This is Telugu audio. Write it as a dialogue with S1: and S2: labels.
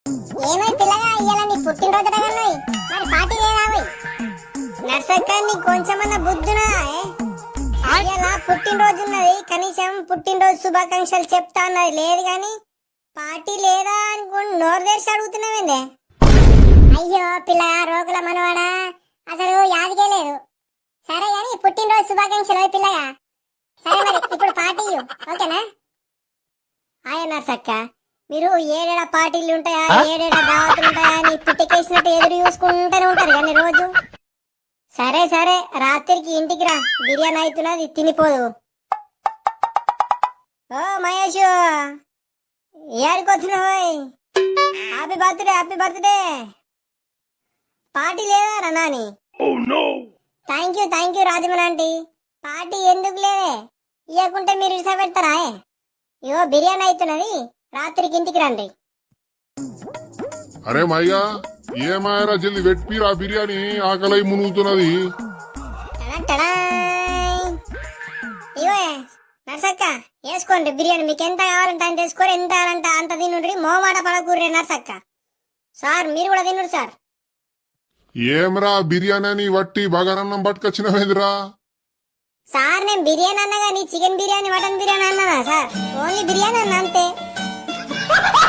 S1: ఏమై పిల్లగా ఇయ్యాల నీ పుట్టినరోజు కదన్నాయి మరి పార్టీ లేదావై నర్సక్క నీకు కొంచెమన్నా బుద్ధునా ఇయ్యాల పుట్టినరోజు ఉన్నది కనీసం పుట్టినరోజు శుభాకాంక్షలు చెప్తా అన్నది లేదు గాని పార్టీ లేదా అనుకుని నోరు తెరిచి అడుగుతున్నావేందే అయ్యో పిల్లగా రోగుల మనవాడా అసలు యాదికే లేదు సరే గాని పుట్టినరోజు శుభాకాంక్షలు పిల్లగా సరే మరి ఇప్పుడు పార్టీ ఓకేనా హాయ్ నర్సక్క మీరు ఏడేడా పార్టీలు ఉంటాయా ఏడేడా దావతులు ఉంటాయా అని పుట్టికేసినట్టు ఎదురు చూసుకుంటూనే ఉంటారు కానీ రోజు సరే సరే రాత్రికి ఇంటికి రా బిర్యానీ అవుతున్నది తినిపోదు ఓ మహేష్ ఏడుకొచ్చినావు హ్యాపీ బర్త్డే పార్టీ లేదా రా నాని థ్యాంక్ యూ రాజమన్ ఆంటీ పార్టీ ఎందుకు లేదే ఇవ్వకుంటే మీరు ఇసా పెడతారా ఇగో బిర్యానీ అవుతున్నది రాత్రికి ఇంటికి రండి
S2: అరే మయ్యా ఏమాయరా జల్ది వెట్పిరా బిర్యానీ ఆకలై మునుగుతున్నది
S1: ఇగో నర్సక్క వేసుకోండి బిర్యానీ మీకు ఎంత కావాలంటే అంత వేసుకోరు ఎంత కావాలంటే అంత తినుండ్రి మోమాట పడకూర్రే నర్సక్క సార్ మీరు కూడా తినుడు సార్
S2: ఏమరా బిర్యానీ అని వట్టి బగారన్నం పట్టుకొచ్చినవేందిరా
S1: సార్ నేను బిర్యానీ అన్నా కానీ చికెన్ బిర్యానీ మటన్ బిర్యానీ అన్నానా సార్ ఓన్లీ బిర్యానీ అన్నా అంతే